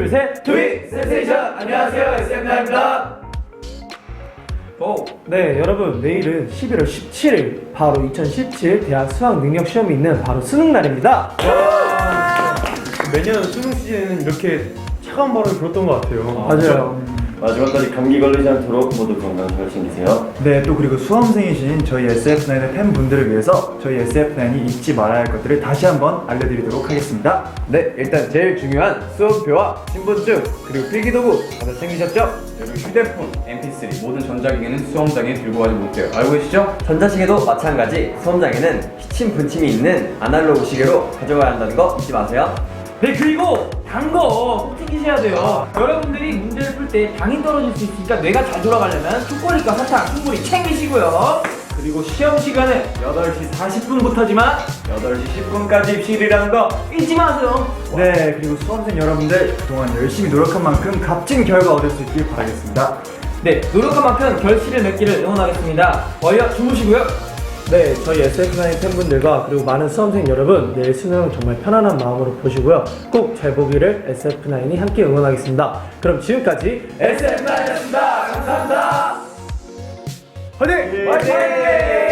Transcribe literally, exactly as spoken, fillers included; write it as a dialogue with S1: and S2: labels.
S1: 둘, 셋.
S2: 트윗 센세이션! 안녕하세요, 에스엠나입니다.
S1: 오. 네, 여러분, 내일은 십일월 십칠일 바로 이천십칠 대학 수학 능력 시험이 있는 바로 수능 날입니다.
S3: 매년 수능 시즌에는 이렇게 차가운 바람이 불었던 것 같아요.
S1: 아, 맞아요.
S2: 마지막까지 감기 걸리지 않도록 모두 건강 잘 챙기세요.
S4: 네, 또 그리고 수험생이신 저희 에스에프나인의 팬분들을 위해서 저희 에스에프나인이 잊지 말아야 할 것들을 다시 한번 알려드리도록 하겠습니다.
S3: 네, 일단 제일 중요한 수험표와 신분증 그리고 필기도구 다들 챙기셨죠?
S5: 그리고 휴대폰, 엠피쓰리 모든 전자기기는 수험장에 들고 가지 못해요. 알고 계시죠?
S6: 전자시계도 마찬가지 수험장에는 시침 분침이 있는 아날로그 시계로 가져가야 한다는 거 잊지 마세요.
S1: 네, 그리고 단 거 꼭 챙기셔야 돼요. 여러분들이 문제를 풀 때 당이 떨어질 수 있으니까 뇌가 잘 돌아가려면 초콜릿과 사탕 충분히 챙기시고요. 그리고 시험 시간은 여덟 시 사십 분부터지만 여덟 시 십 분까지 입실이라는 거 잊지 마세요.
S4: 네, 그리고 수험생 여러분들 그동안 열심히 노력한 만큼 값진 결과 얻을 수 있길 바라겠습니다.
S1: 네, 노력한 만큼 결실을 맺기를 응원하겠습니다. 얼려 주무시고요. 네, 저희 에스에프나인 팬분들과 그리고 많은 수험생 여러분, 내일 수능 정말 편안한 마음으로 보시고요. 꼭 잘 보기를 에스에프나인이 함께 응원하겠습니다. 그럼 지금까지 에스에프나인이었습니다. 감사합니다. 화이팅! 화이팅!